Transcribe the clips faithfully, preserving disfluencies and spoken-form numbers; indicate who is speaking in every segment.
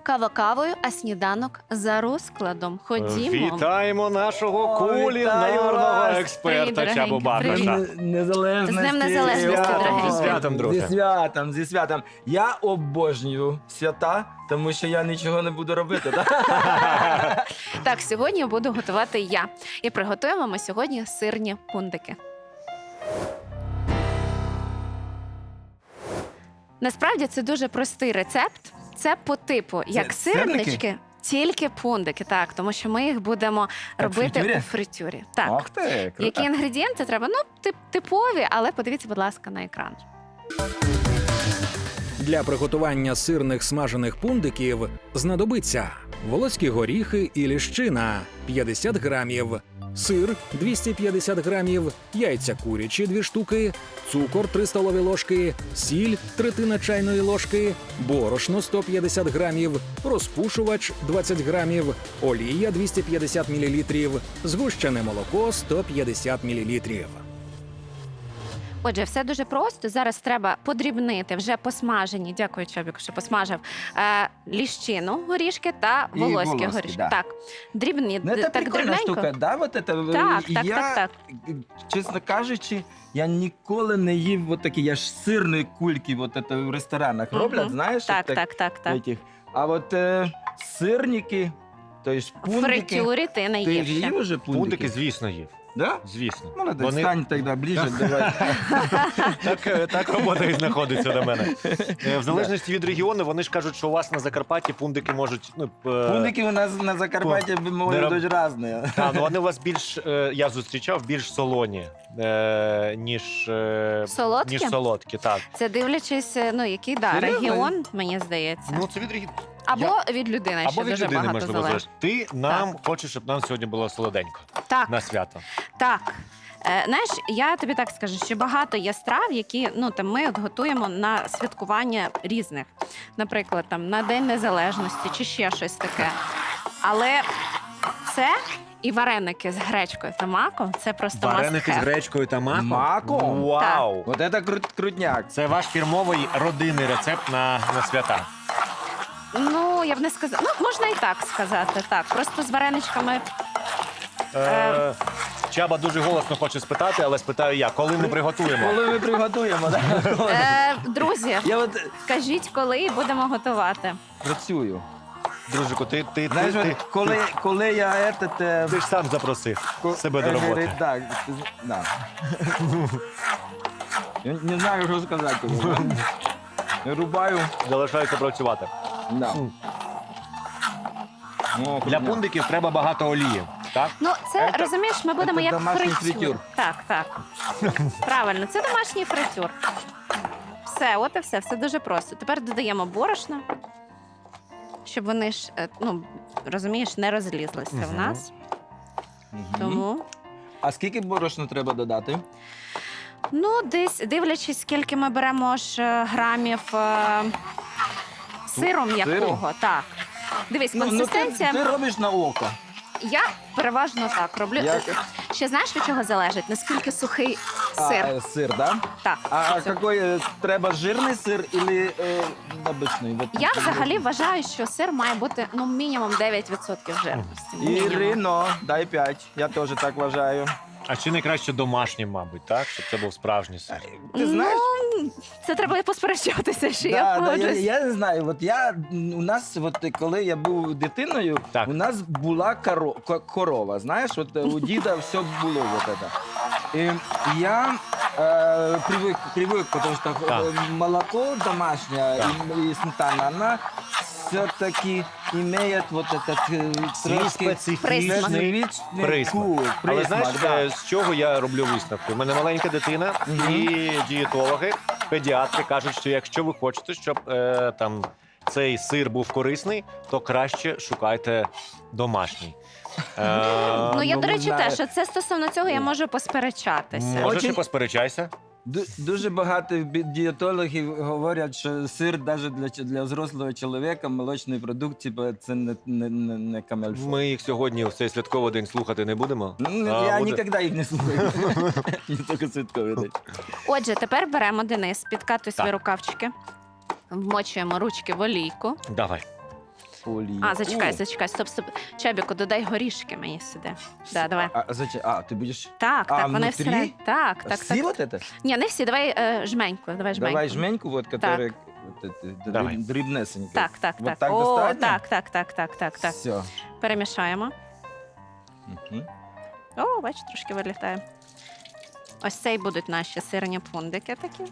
Speaker 1: Кава кавою, а сніданок за розкладом. Ходімо.
Speaker 2: Вітаємо нашого
Speaker 3: О,
Speaker 2: кулінарного
Speaker 3: вітаю вас.
Speaker 2: експерта
Speaker 1: Привіт,
Speaker 2: Чабу
Speaker 1: дорогенький,
Speaker 2: Бакуша.
Speaker 1: привіт.
Speaker 3: Незалежності.
Speaker 1: З Днем Незалежності,
Speaker 3: О,
Speaker 1: дорогенький.
Speaker 2: Зі святом, друже.
Speaker 3: Зі святом, зі святом. Я обожнюю свята, тому що я нічого не буду робити. Так?
Speaker 1: Так, сьогодні буду готувати я. І приготуємо ми сьогодні сирні пундики. Насправді це дуже простий рецепт. Це по типу, як
Speaker 3: Це сирники?
Speaker 1: сирнички, тільки пундики. Так, тому що ми їх будемо
Speaker 3: Так, в
Speaker 1: робити
Speaker 3: фритюрі?
Speaker 1: у фритюрі. Так.
Speaker 3: Ох ти, круто.
Speaker 1: Які інгредієнти треба? Ну, тип, типові, але подивіться, будь ласка, на екран.
Speaker 4: Для приготування сирних смажених пундиків знадобиться волоські горіхи і ліщина п'ятдесят грамів, сир двісті п'ятдесят грамів, яйця курячі дві штуки, цукор три столові ложки, сіль третина чайної ложки, борошно сто п'ятдесят грамів, розпушувач двадцять грамів, олія двісті п'ятдесят мілілітрів, згущене молоко сто п'ятдесят мілілітрів.
Speaker 1: Отже, все дуже просто. Зараз треба подрібнити вже посмажені, дякую, Чобіку, що посмажив, е, ліщину, горішки та
Speaker 3: І
Speaker 1: волоські
Speaker 3: волоські,
Speaker 1: горішки.
Speaker 3: да.
Speaker 1: Так, дрібні,
Speaker 3: Ну, це
Speaker 1: так
Speaker 3: прикольна
Speaker 1: дрібненько.
Speaker 3: штука, да? Вот это,
Speaker 1: Так,
Speaker 3: я,
Speaker 1: так, так, так.
Speaker 3: чесно кажучи, я ніколи не їв от такі, я ж сирні кульки вот это в ресторанах
Speaker 1: Мгм.
Speaker 3: роблять, знаєш?
Speaker 1: Так,
Speaker 3: от
Speaker 1: так, так, так.
Speaker 3: Этих. А от е, сирники, то есть
Speaker 1: В
Speaker 3: пундики.
Speaker 1: фритюрі ти не
Speaker 3: Ти
Speaker 1: їв
Speaker 3: ж
Speaker 1: ще.
Speaker 3: їв уже пундики?
Speaker 2: Пундики, звісно, їв.
Speaker 3: Да?
Speaker 2: Звісно.
Speaker 3: Молодець,
Speaker 2: Вони-
Speaker 3: стань тоді ближче, давай.
Speaker 2: Так, е, так робота і знаходиться до мене. Е, В залежності від регіону, вони ж кажуть, що у вас на Закарпатті пундики можуть. Ну, е,
Speaker 3: Пундики у нас на Закарпатті можуть
Speaker 2: роб-
Speaker 3: бути різні.
Speaker 2: та, ну вони у вас більш, е, я зустрічав, більш солоні, е, ніж, е,
Speaker 1: Солодкі?
Speaker 2: ніж солодкі. Так.
Speaker 1: Це дивлячись, ну, який да,
Speaker 3: Серйозно?
Speaker 1: регіон, мені здається.
Speaker 2: Ну, це від регіону.
Speaker 1: Або від людини,
Speaker 2: Або
Speaker 1: що
Speaker 2: від
Speaker 1: дуже
Speaker 2: людини,
Speaker 1: багато
Speaker 2: можливо,
Speaker 1: залежить.
Speaker 2: залежить. Ти нам хочеш, щоб нам сьогодні було солоденько
Speaker 1: Так,
Speaker 2: на свято.
Speaker 1: так. Е, знаєш, я тобі так скажу, що багато є страв, які ну, там, ми от готуємо на святкування різних. Наприклад, там, на День Незалежності чи ще щось таке. Але це і вареники з гречкою та маком – це просто
Speaker 2: Вареники з
Speaker 1: must have.
Speaker 2: гречкою та маком?
Speaker 3: Маком?
Speaker 2: Вау!
Speaker 3: Вот это крут, крутняк.
Speaker 2: Це ваш фірмовий родинний рецепт на, на свята.
Speaker 1: Ну, я б не сказала. Ну, можна і так сказати. Так, просто з вареничками.
Speaker 2: Е, Чаба дуже голосно хоче спитати, але спитаю я, коли ми приготуємо?
Speaker 3: Коли ми приготуємо, да?
Speaker 1: Е, друзі,
Speaker 3: Я от
Speaker 1: скажіть, коли і будемо готувати.
Speaker 3: працюю.
Speaker 2: Дружику, ти, ти,
Speaker 3: Знаєш,
Speaker 2: ти,
Speaker 3: от
Speaker 2: ти,
Speaker 3: коли, коли я этот, е,
Speaker 2: ти ж сам запросив себе до
Speaker 3: е,
Speaker 2: роботи.
Speaker 3: говорить, Так, ти з- да. Я не знаю, що сказати. тобі, да? Я рубаю.
Speaker 2: Залишається працювати.
Speaker 3: Да. О,
Speaker 2: Для
Speaker 3: крутняк.
Speaker 2: пундиків треба багато олії, так?
Speaker 1: Ну, це,
Speaker 3: Це-
Speaker 1: розумієш, ми будемо
Speaker 3: це
Speaker 1: як
Speaker 3: домашній
Speaker 1: фритюр.
Speaker 3: фритюр.
Speaker 1: Так, так. Правильно, це домашній фритюр. Все, от і все, все дуже просто. Тепер додаємо борошно, щоб вони ж, е, ну, розумієш, не розлізлися в
Speaker 2: Мгм.
Speaker 1: нас.
Speaker 3: Мгм.
Speaker 1: Тому,
Speaker 3: А скільки борошна треба додати?
Speaker 1: ну, десь дивлячись, скільки ми беремо ж е, грамів е, сиру м'якого. Так. Дивись,
Speaker 3: Ну, ну, ти,
Speaker 1: консистенція.
Speaker 3: ти робиш на око.
Speaker 1: Я переважно так роблю.
Speaker 3: Як?
Speaker 1: Ще знаєш, від чого залежить? Наскільки сухий
Speaker 3: А,
Speaker 1: сир?
Speaker 3: е, сир, да?
Speaker 1: Так.
Speaker 3: А
Speaker 1: Це-
Speaker 3: какой е, треба жирний сир или е, обичний? Вот.
Speaker 1: Я взагалі вважаю, що сир має бути ну мінімум дев'ять відсотків жирності. Мінімум.
Speaker 3: Ірино, дай п'ять. Я теж так вважаю.
Speaker 2: А чи не краще домашнім, мабуть, так? Щоб це був справжній сир.
Speaker 3: Ти знаєш?
Speaker 1: Ну, це треба посперечатися, що
Speaker 3: Да,
Speaker 1: я
Speaker 3: да, я,
Speaker 1: погоджуюсь.
Speaker 3: я не знаю. От я у нас, от коли я був дитиною,
Speaker 2: Так.
Speaker 3: у нас була коро, ко- корова. Знаєш, от у діда все було. Вот это. І я е, привик, привик, тому що
Speaker 2: Так.
Speaker 3: е, молоко домашнє
Speaker 2: Так.
Speaker 3: і, і сметана, вона все-таки має вот этот е,
Speaker 2: Свій
Speaker 3: трошки
Speaker 2: специфічний
Speaker 3: специфічний
Speaker 2: присмак.
Speaker 3: вкус,
Speaker 2: Але
Speaker 3: присмак,
Speaker 2: знаєш,
Speaker 3: да.
Speaker 2: е, з чого я роблю висновки? У мене маленька дитина,
Speaker 3: Мгм.
Speaker 2: і дієтологи, педіатри кажуть, що якщо ви хочете, щоб е, там цей сир був корисний, то краще шукайте домашній. Е,
Speaker 1: Ну я
Speaker 3: ну,
Speaker 1: до
Speaker 3: не
Speaker 1: речі,
Speaker 3: знаю.
Speaker 1: теж це стосовно цього я можу посперечатися.
Speaker 2: Можеш і
Speaker 3: Очень-
Speaker 2: посперечайся.
Speaker 3: Ду- Дуже багато бі- дієтологів говорять, що сир навіть для, ч- для взрослого чоловіка, молочний продукт, типу, це не, не, не, не камельфо.
Speaker 2: Ми їх сьогодні в цей святковий день слухати не будемо.
Speaker 3: Ну,
Speaker 2: А,
Speaker 3: я
Speaker 2: буде-
Speaker 3: ніколи їх не слухаю. Не тільки святковий день.
Speaker 1: Отже, тепер беремо Денис, підкатуй свої
Speaker 2: Так.
Speaker 1: рукавчики, вмочуємо ручки в олійку.
Speaker 2: Давай.
Speaker 3: по олії.
Speaker 1: А, зачекай,
Speaker 3: О,
Speaker 1: зачекай, стоп, стоп. Чебіку, додай горішки мені сюди. Да, давай.
Speaker 3: А, зачем? А, ти будеш...
Speaker 1: Так,
Speaker 3: А,
Speaker 1: так, вони
Speaker 3: внутрі?
Speaker 1: всередині. Так, так,
Speaker 3: Всі
Speaker 1: так.
Speaker 3: вот это?
Speaker 1: Ні, не всі, давай е, жменьку, давай жменьку.
Speaker 3: Давай жменьку, вот, которая вот, это,
Speaker 2: Давай.
Speaker 3: дріб- дрібнесенька.
Speaker 1: Так, так,
Speaker 3: Вот
Speaker 1: так.
Speaker 3: так
Speaker 1: О,
Speaker 3: достатньо?
Speaker 1: так, так, так, так, так, так.
Speaker 3: Все.
Speaker 1: Перемішаємо.
Speaker 3: Мгм.
Speaker 1: О, бач, трошки вилітає. Ось цей будуть наші сирні пундики такі.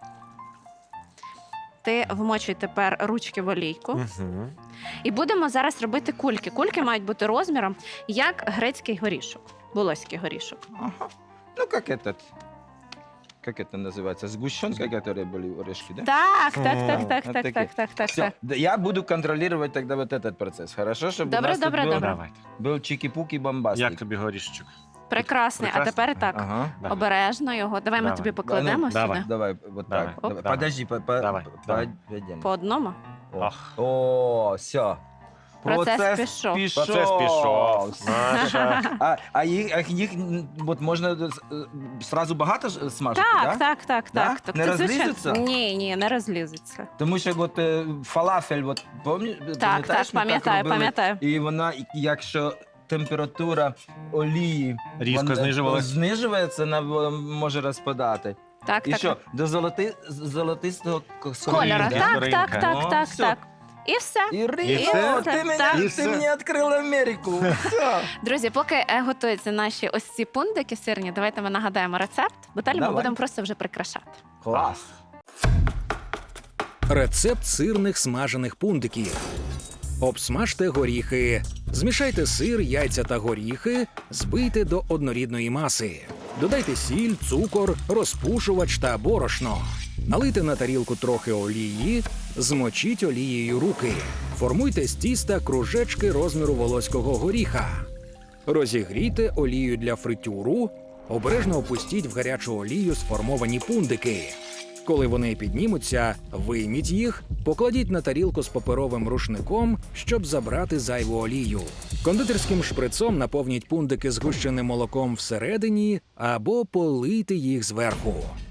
Speaker 1: Ти вмочуй тепер ручки в олійку.
Speaker 2: Мгм.
Speaker 1: І будемо зараз робити кульки. Кульки мають бути розміром, як грецький горішок, волоський горішок.
Speaker 3: Ага. Ну, как этот... Как это называется? Сгущенка, которые были орешки, да?
Speaker 1: Так, так,
Speaker 2: Мгм.
Speaker 1: так, так,
Speaker 3: Вот
Speaker 1: так,
Speaker 3: такі.
Speaker 1: так, так, так,
Speaker 3: Все,
Speaker 1: так.
Speaker 3: да, я буду контролировать тогда вот этот процесс, хорошо? Чтобы
Speaker 1: Добре,
Speaker 3: у нас
Speaker 1: добре,
Speaker 3: тут был,
Speaker 1: добре.
Speaker 2: Давайте.
Speaker 3: был чики-пуки бомбастик.
Speaker 2: Як тобі горішечок?
Speaker 1: Прекрасний. А
Speaker 2: Прекрасно.
Speaker 1: тепер так.
Speaker 3: Ага.
Speaker 2: Да.
Speaker 1: Обережно його. Давай ми
Speaker 2: Давай.
Speaker 1: тобі покладемо
Speaker 3: Да, ну,
Speaker 2: давай.
Speaker 1: сюди.
Speaker 3: Давай, вот
Speaker 2: Давай.
Speaker 3: так.
Speaker 2: Оп.
Speaker 3: Давай.
Speaker 2: Давай.
Speaker 3: Подожди, по, по,
Speaker 2: Давай,
Speaker 3: по-
Speaker 2: давай.
Speaker 3: пойдем.
Speaker 1: По одному.
Speaker 3: О.
Speaker 2: Ах.
Speaker 3: О, все.
Speaker 1: Процес пішов.
Speaker 2: Процес пішов. Наша.
Speaker 3: А, а їх, а їх м, от можна е, сразу багато ж смажити,
Speaker 1: Так,
Speaker 3: да?
Speaker 1: так, так,
Speaker 3: Да?
Speaker 1: так. так.
Speaker 3: Не
Speaker 1: Це, звичайно-
Speaker 3: розлізуться?
Speaker 1: Ні, ні, не розлізуться.
Speaker 3: Тому що от е, фалафель, от, помні,
Speaker 1: Так,
Speaker 3: пам'ятаєш,
Speaker 1: так,
Speaker 3: ми
Speaker 1: пам'ятаю,
Speaker 3: робили?
Speaker 1: пам'ятаю.
Speaker 3: І вона, і- якщо температура олії
Speaker 2: Різко
Speaker 3: вона,
Speaker 2: знижувалась.
Speaker 3: знижується, вона в- може розпадати.
Speaker 1: Так,
Speaker 3: І
Speaker 1: так.
Speaker 3: що, до золоти, з- золотистого к-
Speaker 1: Кольора.
Speaker 2: Скоринка.
Speaker 1: Так,
Speaker 2: Скоринка.
Speaker 1: так, так,
Speaker 3: О,
Speaker 1: так,
Speaker 3: все.
Speaker 1: так. І все.
Speaker 3: І Ріо,
Speaker 2: все?
Speaker 3: ти, мене,
Speaker 1: Так.
Speaker 2: І
Speaker 3: ти
Speaker 2: все?
Speaker 3: мені відкрила Америку. Все.
Speaker 1: Друзі, поки е, готуються наші ось ці пундики сирні, давайте ми нагадаємо рецепт, бо далі ми
Speaker 3: Давай.
Speaker 1: будемо просто вже прикрашати.
Speaker 3: Клас.
Speaker 4: Рецепт сирних смажених пундиків. Обсмажте горіхи. Змішайте сир, яйця та горіхи, збийте до однорідної маси. Додайте сіль, цукор, розпушувач та борошно. Налийте на тарілку трохи олії, змочіть олією руки. Формуйте з тіста кружечки розміру волоського горіха. Розігрійте олію для фритюру, обережно опустіть в гарячу олію сформовані пундики. Коли вони піднімуться, вийміть їх, покладіть на тарілку з паперовим рушником, щоб забрати зайву олію. Кондитерським шприцом наповніть пундики згущеним молоком всередині або полийте їх зверху.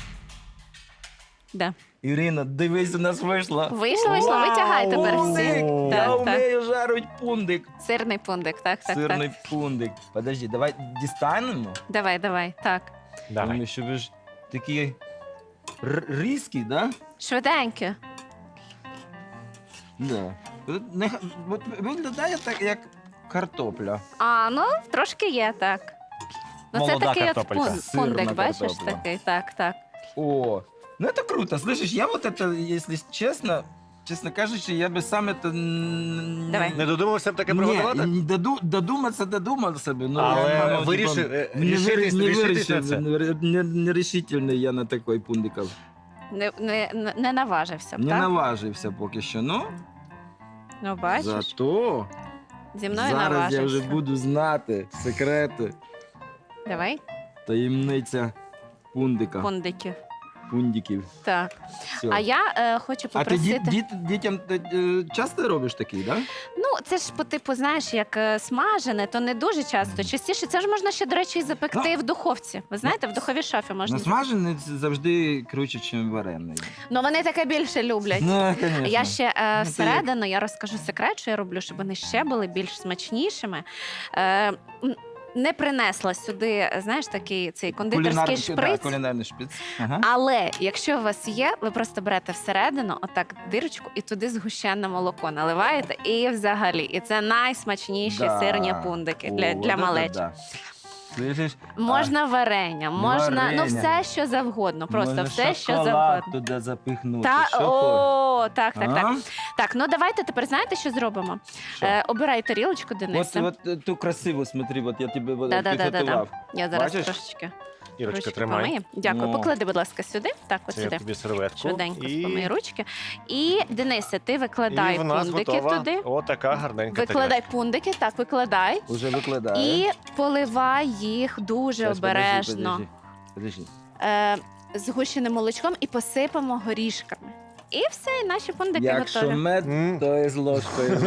Speaker 1: Да.
Speaker 3: Ірина, дивись, у нас вийшло.
Speaker 1: Вийшло, вийшло, витягай тепер всі.
Speaker 3: Пундик! Я
Speaker 1: Так, так.
Speaker 3: вмію жарити пундик.
Speaker 1: Сирний пундик, так, так,
Speaker 3: Сирний
Speaker 1: так.
Speaker 3: пундик. Подожди, давай дістанемо.
Speaker 1: Давай, давай, так.
Speaker 2: Давай.
Speaker 3: Тому що ви ж такі р- різкі, да?
Speaker 1: Швиденько.
Speaker 3: Да. От не- от виглядає так, як картопля.
Speaker 1: А, ну, трошки є, так. Ну, це
Speaker 2: Молода
Speaker 1: такий от
Speaker 2: картопелька.
Speaker 1: пун-
Speaker 3: Сирна
Speaker 1: пундик, бачиш,
Speaker 3: картопля.
Speaker 1: такий, так, так.
Speaker 3: О, ну это круто. Слышишь, я вот это, если честно, честно кажучи, я бы сам это... н-
Speaker 1: Давай.
Speaker 2: Не додумався б таке
Speaker 3: Ні,
Speaker 2: приготувати?
Speaker 3: не доду, додуматися, додумався би. Ну,
Speaker 2: Але
Speaker 3: я, мабуть,
Speaker 2: вирішив,
Speaker 3: типа,
Speaker 2: е,
Speaker 3: не,
Speaker 2: рішитись-
Speaker 3: вир- не
Speaker 2: рішитись на
Speaker 3: вирішив,
Speaker 2: це?
Speaker 3: не, не, нерешительний я на такий пундиков.
Speaker 1: Не, не, не наважився б,
Speaker 3: Не
Speaker 1: так?
Speaker 3: наважився поки що, ну,
Speaker 1: Ну, бачиш,
Speaker 3: зато
Speaker 1: зі мною
Speaker 3: зараз
Speaker 1: наважився.
Speaker 3: я вже буду знати секрети,
Speaker 1: Давай,
Speaker 3: таємниця пундика,
Speaker 1: пундиків.
Speaker 3: пундиків.
Speaker 1: Так.
Speaker 3: Все.
Speaker 1: А я е, хочу
Speaker 3: А ти
Speaker 1: попросити.
Speaker 3: діт, діт, дітям е, е, часто робиш такий, так? Да?
Speaker 1: Ну, це ж по типу, знаєш, як е, смажене, то не дуже часто. Частіше це ж можна ще, до речі, і запекти в духовці. Ви знаєте, в духовій шафі можна.
Speaker 3: Ну, смажений завжди круче, ніж варений.
Speaker 1: Ну, вони таке більше люблять.
Speaker 3: Ну, звісно.
Speaker 1: Я ще е,
Speaker 3: це
Speaker 1: всередину я розкажу секрет, що я роблю, щоб вони ще були більш смачнішими. Е, м, не принесла сюди, знаєш, такий цей кондитерський
Speaker 3: Кулінар-
Speaker 1: шприц.
Speaker 3: Да, кулінарний шприц. Ага.
Speaker 1: Але якщо у вас є, ви просто берете всередину, отак дирочку, і туди згущене молоко наливаєте, і взагалі, і це найсмачніші
Speaker 3: Да.
Speaker 1: сирні пундики для,
Speaker 3: О,
Speaker 1: для
Speaker 3: от
Speaker 1: малечі.
Speaker 3: це да. Слышиш?
Speaker 1: Можна варення, можна ну
Speaker 3: варення.
Speaker 1: все, що завгодно. Просто
Speaker 3: Можна
Speaker 1: все, що
Speaker 3: шоколад
Speaker 1: завгодно.
Speaker 3: туди запихнути.
Speaker 1: Та
Speaker 3: Що хочеш?
Speaker 1: о, так, так, так.
Speaker 3: А?
Speaker 1: Так, ну давайте тепер знаєте, що зробимо?
Speaker 3: Що?
Speaker 1: Е, обирай тарілочку, Денисе.
Speaker 3: От, от е, ту красиву, смотри, от я тебе от,
Speaker 1: Да-да-да-да-да.
Speaker 3: підготував.
Speaker 1: Я зараз
Speaker 3: бачиш?
Speaker 1: трошечки
Speaker 2: Ірочка,
Speaker 1: ручки
Speaker 2: тримай.
Speaker 1: помию. Дякую.
Speaker 3: Ну.
Speaker 1: Поклади, будь ласка, сюди. Так, от
Speaker 2: Це я
Speaker 1: сюди.
Speaker 2: тобі серветку.
Speaker 1: Швиденько
Speaker 2: І,
Speaker 1: помий ручки. І Денисе, ти викладай
Speaker 2: і в нас
Speaker 1: пундики
Speaker 2: готова
Speaker 1: туди.
Speaker 2: отака гарненька
Speaker 1: Викладай
Speaker 2: тарілочка.
Speaker 1: пундики, так, викладай.
Speaker 3: Уже викладаю.
Speaker 1: І поливай їх дуже
Speaker 3: Щас,
Speaker 1: обережно
Speaker 3: Подожди, подожди.
Speaker 1: е, згущеним молочком і посипемо горішками. І все, і наші пундики
Speaker 3: Якщо
Speaker 1: готові.
Speaker 3: мед,
Speaker 2: М.
Speaker 3: то і з ложкою.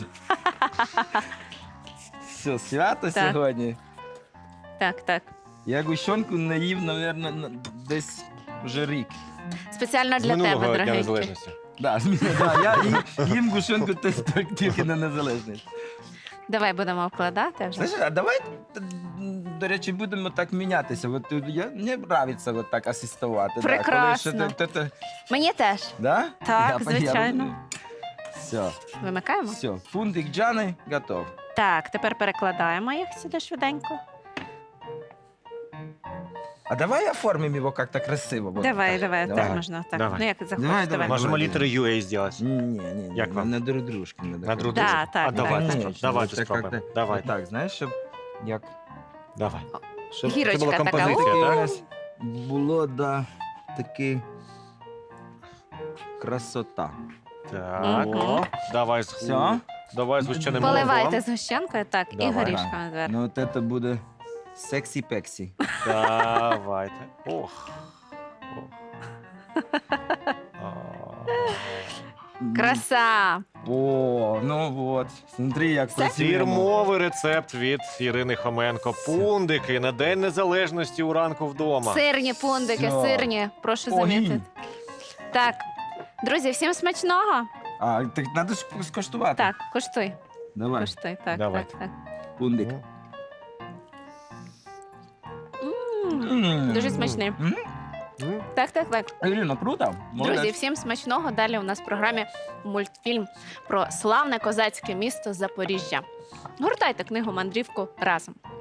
Speaker 3: Все, свято
Speaker 1: Так.
Speaker 3: сьогодні.
Speaker 1: Так, так.
Speaker 3: Я гущонку не їв, мабуть, десь вже рік.
Speaker 1: Спеціально
Speaker 2: З
Speaker 1: для тебе,
Speaker 2: минулого Дня
Speaker 1: дорогенький.
Speaker 2: Незалежності.
Speaker 3: Да, зміни, да. Я їм, їм гущенку теж тільки- тільки на незалежність.
Speaker 1: Давай будемо вкладати вже.
Speaker 3: Слушай, а давай, м, до речі, будемо так мінятися. От е, я, мені подобається от так асистувати.
Speaker 1: Прекрасно.
Speaker 3: Да, коли ще ти- ти- ти-
Speaker 1: Мені теж.
Speaker 3: да?
Speaker 1: Так,
Speaker 3: Я-
Speaker 1: звичайно.
Speaker 3: я- Все,
Speaker 1: Вимикаємо?
Speaker 3: все. Фунтик Джани готов.
Speaker 1: Так, тепер перекладаємо їх сюди швиденько.
Speaker 3: А давай оформимо його як-то красиво. Вот
Speaker 1: Давай,
Speaker 3: так.
Speaker 1: давай,
Speaker 3: Давай.
Speaker 1: так можна. Так.
Speaker 2: Давай.
Speaker 1: Ну як захочеш,
Speaker 3: Давай,
Speaker 1: давай.
Speaker 3: давай.
Speaker 2: Можемо
Speaker 3: давай.
Speaker 2: літери ю ей зробити.
Speaker 3: Ні, ні, ні.
Speaker 2: Як вам?
Speaker 3: На друг дружки. На
Speaker 2: На друг
Speaker 1: Да,
Speaker 2: друга.
Speaker 1: так,
Speaker 2: А
Speaker 1: так,
Speaker 2: давайте,
Speaker 1: так.
Speaker 2: спробуємо. давайте
Speaker 3: Так,
Speaker 2: спробуємо.
Speaker 3: як-то-
Speaker 2: Давайте.
Speaker 3: Так, знаєш, щоб як
Speaker 2: Давай. Щоб
Speaker 1: Гірочка
Speaker 2: це була
Speaker 1: така,
Speaker 2: композиція,
Speaker 1: у.
Speaker 2: так?
Speaker 3: якась було, да, таки красота.
Speaker 2: Так.
Speaker 1: Мгм.
Speaker 2: О, давай з
Speaker 3: Все?
Speaker 2: Давай з гущеним
Speaker 1: Поливайте
Speaker 2: молоком.
Speaker 1: з гущенкою, так, і
Speaker 2: Давай.
Speaker 1: горішками зверху.
Speaker 3: Ну, от це буде сексі-пексі.
Speaker 2: Давайте. Ох. Ох. А.
Speaker 1: Краса!
Speaker 3: О, ну от. Смотри, як працюємо.
Speaker 2: Фірмовий рецепт від Ірини Хоменко. Пундики на День Незалежності у ранку вдома.
Speaker 1: Сирні пундики,
Speaker 3: Всьо.
Speaker 1: сирні, прошу
Speaker 3: Огінь.
Speaker 1: замітити. Так, друзі, всім смачного.
Speaker 3: А, так треба ж скоштувати.
Speaker 1: Так, коштуй,
Speaker 3: Давай,
Speaker 1: коштуй, так,
Speaker 2: Давай.
Speaker 1: так, так.
Speaker 3: пундик.
Speaker 1: М,
Speaker 3: М.
Speaker 1: Дуже смачний.
Speaker 3: М?
Speaker 2: М?
Speaker 1: Так, так, так.
Speaker 3: Ірина, круто.
Speaker 1: Друзі,
Speaker 3: Молодець.
Speaker 1: всім смачного. Далі у нас в програмі мультфільм про славне козацьке місто Запоріжжя. Гортайте книгу «Мандрівку» разом.